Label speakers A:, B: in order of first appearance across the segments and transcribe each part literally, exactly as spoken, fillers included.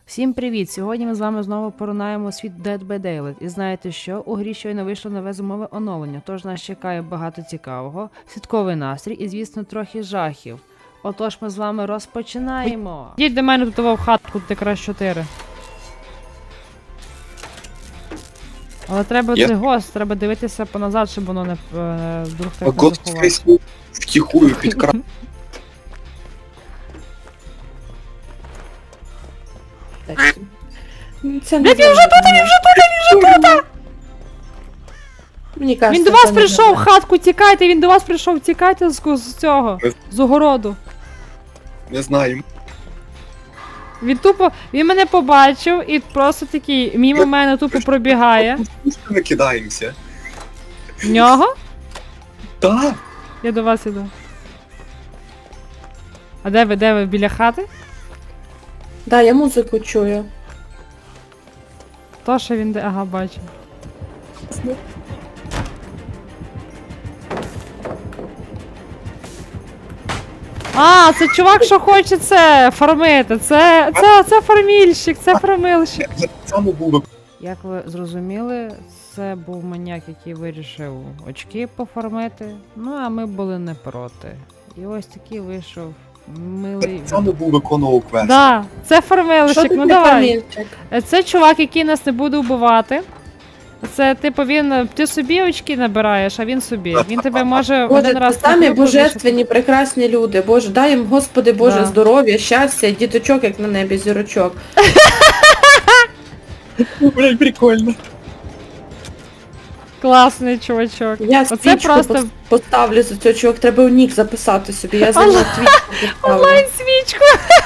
A: Всім привіт! Сьогодні ми з вами знову поринаємо світ Dead by Daylight. І знаєте що? У грі щойно вийшло нове зимове оновлення, тож нас чекає багато цікавого, святковий настрій і, звісно, трохи жахів. Отож ми з вами розпочинаємо. Йдіть до мене тут в хатку, тут якраз чотири. Але треба
B: Я-
A: цей гост, треба дивитися поназад, щоб воно не е, вдруг так не
B: Год
A: заховало.
B: фейсбук втихую підкрав.
C: Це не він вже тут, він вже тут, він вже тут! Мені кажется,
A: Він до вас
C: це не
A: прийшов, в
C: добре.
A: хатку, тікайте, він до вас прийшов, тікайте з, з цього, з огороду.
B: Не знаю.
A: Він тупо, він мене побачив і просто такий мімо мене тупо пробігає.
B: Ми кидаємося.
A: В нього?
B: Так.
A: Я до вас іду. А де ви, де ви, біля хати?
C: Да, я музику чую.
A: То, що він де, ага, бачу. А, це чувак, що хоче це фармити. Це, це, це фармільщик, це фармильщик.
B: Я так само був.
A: Як ви зрозуміли, це був маніяк, який вирішив очки пофармити. Ну, а ми були не проти. І ось такий вийшов милий.
B: Так само був виконував квест.
A: Да, це
C: Що
A: фармилищик,
C: ти
A: ну
C: не
A: давай.
C: фамільчик?
A: Це чувак, який нас не буде вбивати. Це типу він, ти собі очки набираєш, а він собі. Він тебе може
C: Боже,
A: один
C: це
A: раз
C: самі
A: на групу
C: божественні, прекрасні люди. Боже, дай їм, Господи Боже,
A: Да.
C: здоров'я, щастя, діточок, як на небі, зірочок.
B: Блять, прикольно.
A: вишити. Класний чувачок.
C: Я
A: Оце
C: свічку
A: просто
C: пос- поставлю за цього чувак, треба у нік записати собі, я за нього твічку поставлю.
A: онлайн свічку.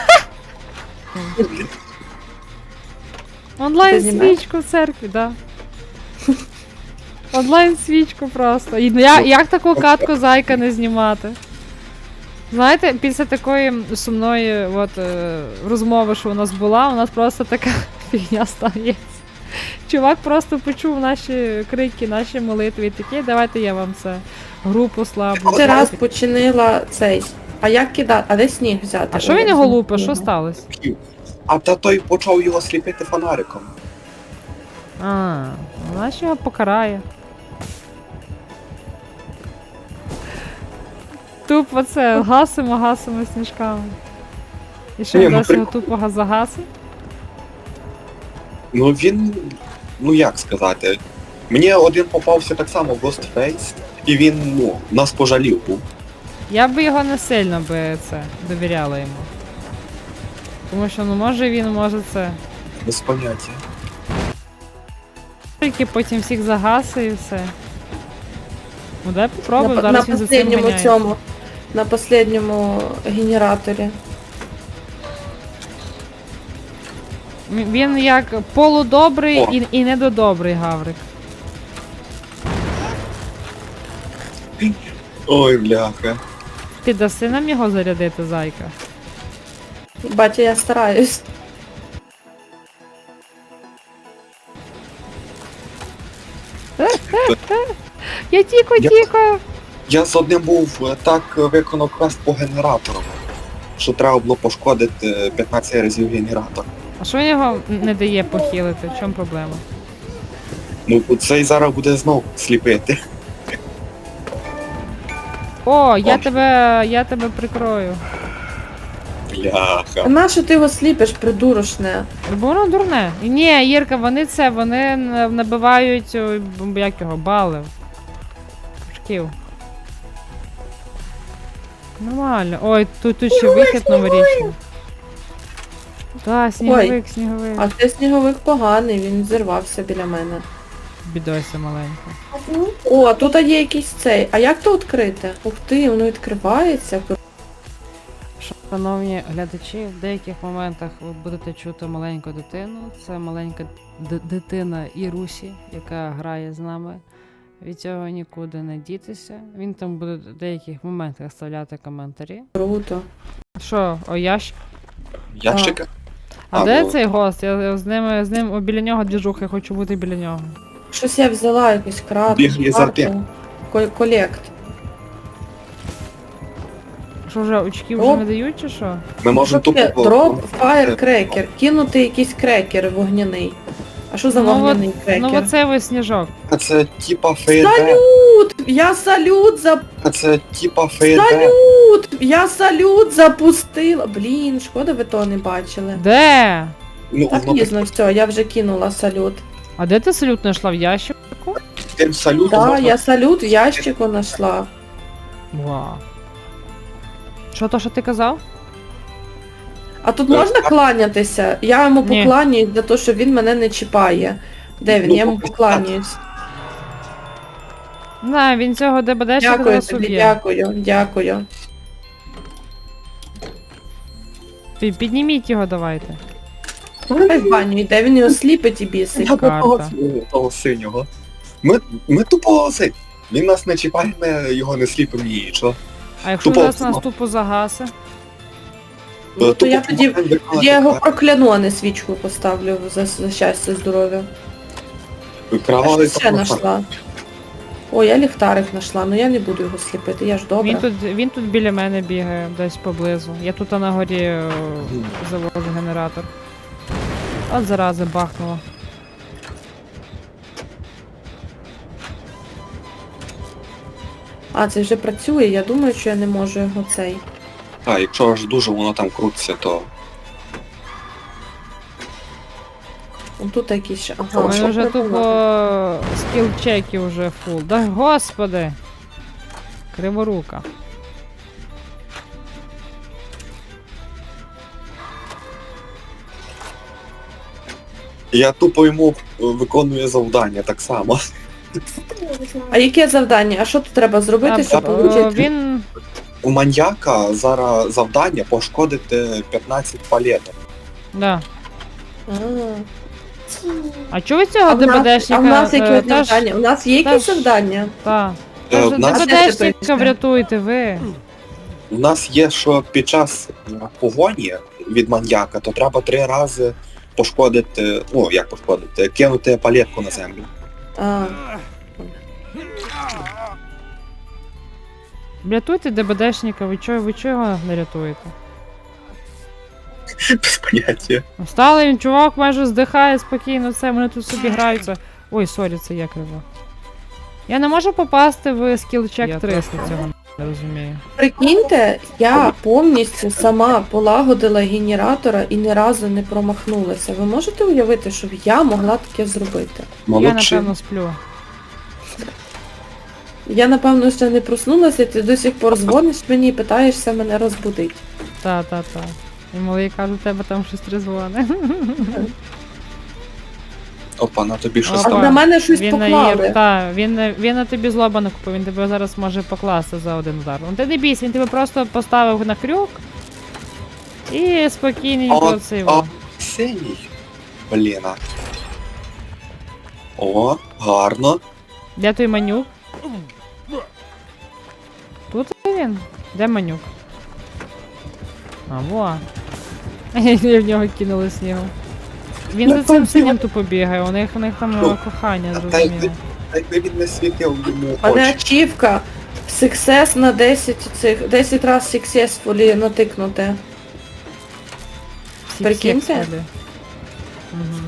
A: Онлайн
C: Ти знімаєш?
A: свічку в церкві, да. Онлайн свічку просто. І я, як таку катку зайка не знімати? Знаєте, після такої сумної от, е, розмови, що у нас була, у нас просто така фігня стається. Чувак просто почув наші крики, наші молитви і такі, давайте я вам це групу слабу.
C: Ти раз починила цей. А як кидати? А де сніг взяти?
A: А що
C: Ой,
A: він
C: я
A: його
C: забула.
A: лупить? Що сталося?
B: А та той почав його сліпити фонариком.
A: А, вона ж його покарає. Тупо це, гасимо, гасимо сніжками. І що
B: Ні,
A: він
B: ну,
A: досі його
B: прикол.
A: тупо загасив?
B: Ну він. Ну як сказати. Мені один попався так само в Ghostface, і він, ну, нас пожалів був.
A: Я би його не сильно би це довіряла йому. Тому що, ну може він, може це.
B: Без поняття.
A: Тільки потім всіх загаси і все. Ну дай
C: На,
A: попробуй,
C: на
A: зараз він за цим
C: последньому
A: ганяється.
C: цьому, на последньому генераторі.
A: М- Він як полудобрий
B: О.
A: і, і недодобрий гаврик.
B: Ой, бляха.
A: Ти даси нам його зарядити, зайка?
C: Батя, я стараюсь.
A: Я тіко,
B: Я-
A: тіко!
B: Я з одним був е, так е, виконав квест по генератору, що треба було пошкодити п'ятнадцять разів генератор.
A: А що він його не дає похилити? В чому проблема?
B: Ну цей зараз буде знов сліпити.
A: О, я
B: О.
A: тебе. я тебе прикрою.
C: А
B: Бляха.
C: нащо ти його сліпиш, придурочне?
A: Бо воно дурне. І ні, Єрка, вони це, вони н- набивають, ой, б- як його, бали. Шків. Нормально. Ой, тут, тут ще вихід новорічний. Так, сніговик, сніговик.
C: А ти сніговик поганий, він зірвався біля мене.
A: Бідося маленька.
C: О, а тут є якийсь цей. А як то відкрити? Ух ти, воно відкривається.
A: Шановні глядачі, в деяких моментах ви будете чути маленьку дитину. Це маленька д- дитина Ірусі, яка грає з нами. Від цього нікуди не дітися. Він там буде в деяких моментах ставляти коментарі.
C: Круто.
A: Що, о ящ?
B: Ящика?
A: А,
B: А,
A: де
B: ну.
A: цей гост? Я, я з ним, з ним о, біля нього двіжуха, я хочу бути біля нього.
C: Щось я взяла, якусь крату,
B: Бігли за
C: карту.
B: тим.
C: Ко- Колект.
A: Що вже очки вже
C: Оп.
A: не дають чи що?
B: Ми можемо
C: Що таке?
B: тупо...
C: Дроп фаєркрекер. Кинути якийсь крекер вогняний. А що за
A: Ну,
C: вогняний
A: от-
C: крекер?
A: Ну оцей ось сніжок.
B: А це типа фейерверк.
C: Салют! Я салют за...
B: А це типа фейерверк.
C: Салют! Я салют запустила. Блін, шкода ви того не бачили.
A: Де?
B: Ну,
C: Так
B: воно
C: пізно, все, я вже кинула салют.
A: А де ти салют знайшла? В ящику?
B: таким салютом
C: Так,
B: можна...
C: я салют в ящику знайшла.
A: Вау. Що то, що ти казав?
C: А тут
B: Е,
C: можна
B: а-
C: кланятися? Я йому
A: Ні.
C: покланяюсь за те, що він мене не чіпає. Де він?
B: Ну,
C: Я йому
B: поки
C: покланяюсь.
A: Не, він цього ДБДшника
C: Дякую
A: зараз
C: тобі,
A: уб'є.
C: дякую, дякую.
A: Пі- Підніміть його давайте.
C: Хай в баню йде, він його сліпить і бісить.
B: Я до того,
A: карта.
B: того синього. Ми, ми тупо цей. Він нас не чіпає, ми його не сліпимо нічого.
A: А якщо
B: Тупо
A: зараз нас
B: автомат.
A: тупо загаси?
C: Ну, то я тоді
B: можемо виконати
C: я його
B: так.
C: прокляну, а не свічку поставлю за, за щастя, здоров'я. А
B: Кровавий
C: що ще
B: автомат.
C: знайшла? О, я ліхтарик знайшла, ну я не буду його сліпити, я ж добра.
A: Він тут, він тут біля мене бігає, десь поблизу. Я тут на горі е, завожу генератор. От зарази бахнуло.
C: А, це вже працює, я думаю, що я не можу його цей.
B: А, якщо аж дуже воно там крутиться, то...
C: Он тут якийсь ще.
A: У
C: Ага,
A: мене
C: що
A: вже
C: придумати?
A: тупо скіл чеки вже фул. Да господи! Криворука.
B: Я тупо йому е, виконую завдання так само.
C: А яке завдання? А що тут треба зробити,
A: А,
C: щоб
A: е,
C: отримати?
A: Він.
B: У маньяка зараз завдання пошкодити п'ятнадцять палеток.
A: Да.
C: А.
A: А чого ви
C: А
A: цього
C: в нас,
A: ДБДшника?
C: а в нас які
A: е, теж-
C: завдання? У нас є якісь
A: теж-
C: завдання?
A: Та.
B: Е,
A: Та
B: в нас-
A: ДБДшника врятуйте ви.
B: У нас є, що під час е, погоні від маньяка, то треба три рази пошкодити, ну як пошкодити, кинути палетку на землю.
C: А.
A: Рятуйте ДБДшника, ви чого, ви чого його не рятуєте?
B: Без поняття.
A: Встали, він чувак майже здихає спокійно, все, вони тут собі граються. Ой, сорі, це я криво. Я не можу попасти в скіл-чек триста, цього не розумію.
C: Прикиньте, я повністю сама полагодила генератора і ні разу не промахнулася. Ви можете уявити, щоб я могла таке зробити?
A: Я,
B: Молодчи.
A: напевно, сплю.
C: Я, напевно, ще не проснулася, ти до сих пор дзвониш мені і питаєшся мене розбудити.
A: Та, та, та. І малий каже, у тебе там щось трезвоне.
B: Опа, на тобі щось
C: А
A: Опа.
C: на мене щось
A: Він на
C: поклали.
A: їр, та, він, на- він на тобі злоба не купив, він тебе зараз може покласти за один удар. Ну ти не бійся, він тебе просто поставив на крюк і спокійненько
B: А,
A: цей.
B: а
A: во.
B: синій. Блін. а. О, гарно.
A: Де той манюк? Тут він? Де манюк? А, во. Я в нього кинули снігу. Він
B: Ну,
A: за цим
B: там
A: синім
B: його-
A: тупо бігає, у них, у них там
B: Ну,
A: е, кохання,
B: та й
A: зрозуміло.
B: та якби він не світив йому
C: А не
B: очі.
C: ачівка. Success на десять цих, десять раз successfully натикнути.
A: Всі
C: прикиньте?
A: всі сходи. Мгм.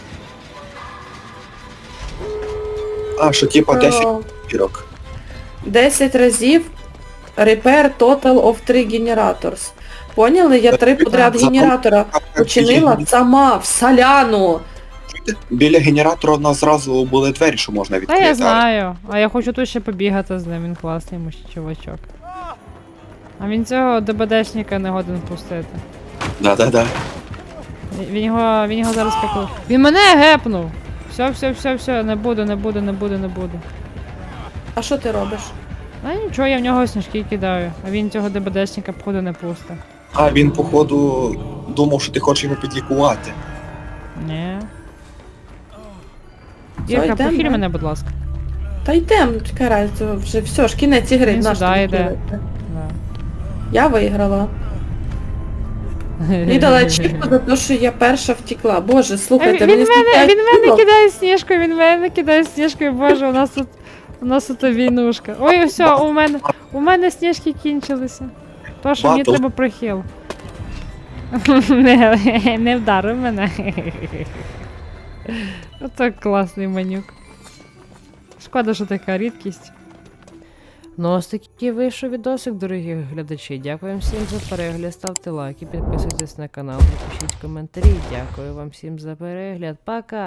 B: А, що типа десять
C: О,
B: пірок.
C: десять разів repair total of three generators. Поняли? Я три подряд
B: За-
C: генератора починила сама в соляну.
B: Біля генератора у нас зразу були двері, що можна
A: Та
B: відкрити.
A: я
B: але-
A: знаю, а я хочу тут ще побігати з ним, він класний муж чувачок. А він цього ДБДшника не годен пустити.
B: Да-да-да.
A: Він- Він його, він його зараз поклав. Він мене гепнув! Все, все, все, все, не буду, не буду, не буду, не буду.
C: А що ти робиш?
A: А нічого, я в нього сніжки кидаю, а він цього ДБДшника походу не пусте.
B: А він, походу, думав, що ти хочеш його підлікувати.
A: Ні.
C: Все,
A: Ірка,
C: йдем,
A: похиль
C: да?
A: мене, будь ласка.
C: Та йдем, чекай, разу, вже все ж кінець ігри.
A: Він
C: наш
A: сюди
C: там
A: йде.
C: ділити.
A: Да.
C: Я виграла. Мені дала ачівку за те, що я перша втекла. Боже,
A: А
C: слухайте,
A: Він, він,
C: мені
A: мене,
C: стільки
A: він мене
C: ачівок.
A: кидає сніжкою, він мене кидає сніжкою, боже, у нас тут у нас тут війнушка. Ой, все, у мене у мене сніжки кінчилися. То, що мені
B: Батл.
A: треба прихил. не, не вдарив мене. Ото класний манюк. Шкода, що така рідкість. Ну, ось такий вийшов відосик, дорогі глядачі. Дякую всім за перегляд, ставте лайки, підписуйтесь на канал, пишіть коментарі. Дякую вам всім за перегляд. Пока!